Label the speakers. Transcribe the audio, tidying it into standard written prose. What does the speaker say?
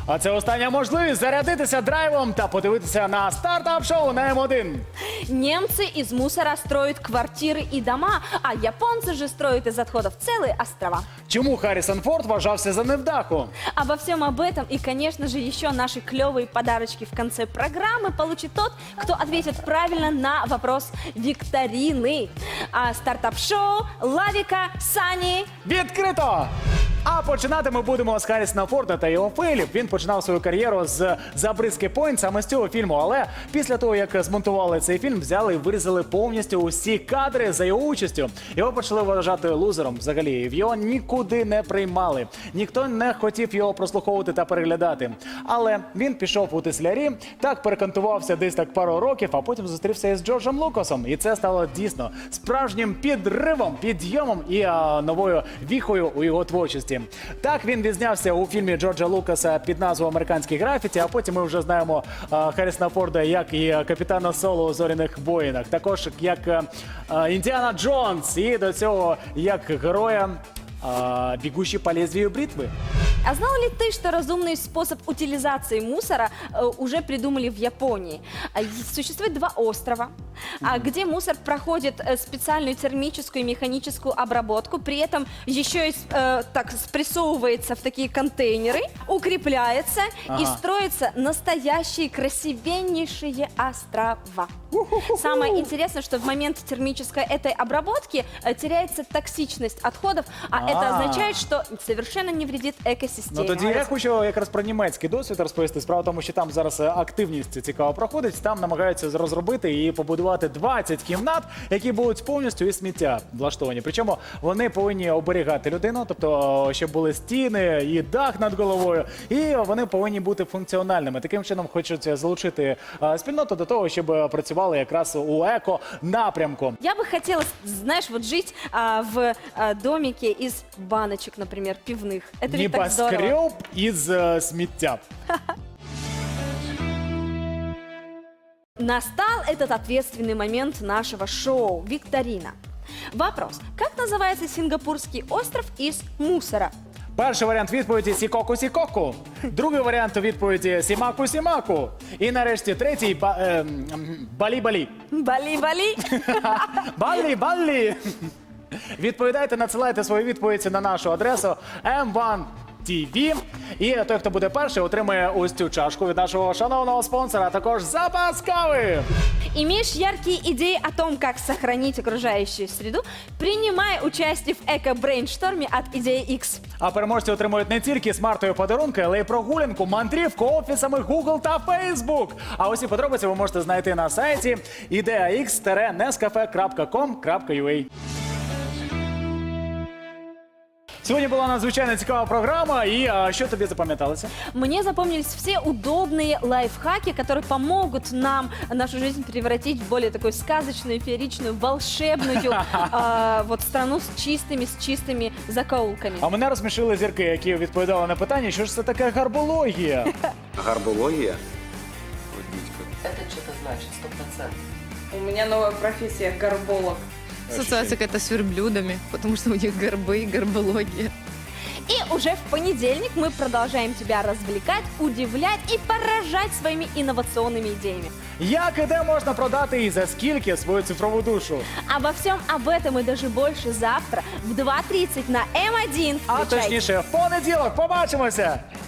Speaker 1: А це остання можливість зарядитися драйвом та подивитися на стартап-шоу на М1.
Speaker 2: Немцы из мусора строят квартиры и дома, а японцы же строят из отходов целые острова.
Speaker 1: Чому Харрісон Форд вважався за невдаху?
Speaker 2: Обо всем об этом и, конечно же, еще наши клевые подарочки в конце программы получит тот, кто ответит правильно на вопрос викторины. А стартап-шоу Лавика, Сани.
Speaker 1: Відкрито! А починати ми будемо з Харрісона Форда та його фейлів. Він починав свою кар'єру з «Забризки Пойнт» саме з цього фільму. Але після того, як змонтували цей фільм, взяли і вирізали повністю усі кадри за його участю. Його почали вважати лузером взагалі. Його нікуди не приймали. Ніхто не хотів його прослуховувати та переглядати. Але він пішов у теслярі, так перекантувався десь так пару років, а потім зустрівся із Джорджем Лукасом. І це стало дійсно справжнім підривом, підйомом і новою віхою у його творчості. Так, він відзнявся у фільмі Джорджа Лукаса під назвою «Американські графіті», а потім ми вже знаємо Харрісона Форда як і капітана Соло у «Зоряних воїнах», також як Індіана Джонс і до цього як героя «Бегущий по лезвию бритвы».
Speaker 2: А знал ли ты, что разумный способ утилизации мусора уже придумали в Японии? Существует два острова, где мусор проходит специальную термическую и механическую обработку, при этом еще и так спрессовывается в такие контейнеры, укрепляется и строятся настоящие красивеннейшие острова. Самое интересное, что в момент термической этой обработки теряется токсичность отходов, а это означает, что совершенно не вредит экосистеме.
Speaker 1: Ну тоді я хочу якраз про німецький досвід розповісти. Справа в тому, що там зараз активність цікаво проходить. Там намагаються розробити і побудувати 20 кімнат, які будуть повністю із сміття влаштовані. Причому вони повинні оберігати людину, тобто щоб були стіни і дах над головою, і вони повинні бути функціональними. Таким чином хочуть залучити спільноту до того, щоб працювали якраз у еко-напрямку.
Speaker 2: Я бы хотела, знаешь, вот жить в домике из баночек, например, пивных. Это ведь так здорово.
Speaker 1: Небоскреб із сміття.
Speaker 2: Настал этот ответственный момент нашего шоу «Викторина». Вопрос. Как называется сингапурский остров из мусора?
Speaker 1: Перший варіант відповіді «Сікоку-сікоку», другий варіант відповіді «Сімаку-сімаку» і нарешті третій «Балі-балі».
Speaker 2: Бали-бали.
Speaker 1: Балі-балі. Відповідайте, надсилайте свої відповіді на нашу адресу M1 TV. І той, хто буде перший, отримає ось цю чашку від нашого шановного спонсора, а також запас кави.
Speaker 2: Имеешь яркие идеи о том, как сохранить окружающую среду? Принимай участие в эко-брейншторме от Идеи X.
Speaker 1: А переможці отримують не тільки смартові подарунки, але й прогулянку, мандрівку офісами Google та Facebook. А усі подробиці ви можете знайти на сайті ideax-nescafe.com.ua. Сьогодні була надзвичайно цікава програма, і що тобі запам'яталося?
Speaker 2: Мне запомнились все удобные лайфхаки, которые помогут нам нашу жизнь превратить в более такую сказочную, фееричную, волшебную вот страну с чистыми закоулками.
Speaker 1: А мене розсмішили зірки, які відповідали на питання, що ж це таке гарбологія?
Speaker 3: Гарбология?
Speaker 4: Это что-то значит, 100%.
Speaker 5: У меня новая профессия – горболог.
Speaker 6: Ассоциация какая-то с верблюдами, потому что у них горбы и горбология.
Speaker 2: И уже в понедельник мы продолжаем тебя развлекать, удивлять и поражать своими инновационными идеями.
Speaker 1: Як і де можна продати і за скільки свою цифрову душу?
Speaker 2: Обо всем об этом и даже больше завтра в 2:30 на М1.
Speaker 1: А
Speaker 2: Включайте.
Speaker 1: точніше, в понеділок. Побачимося!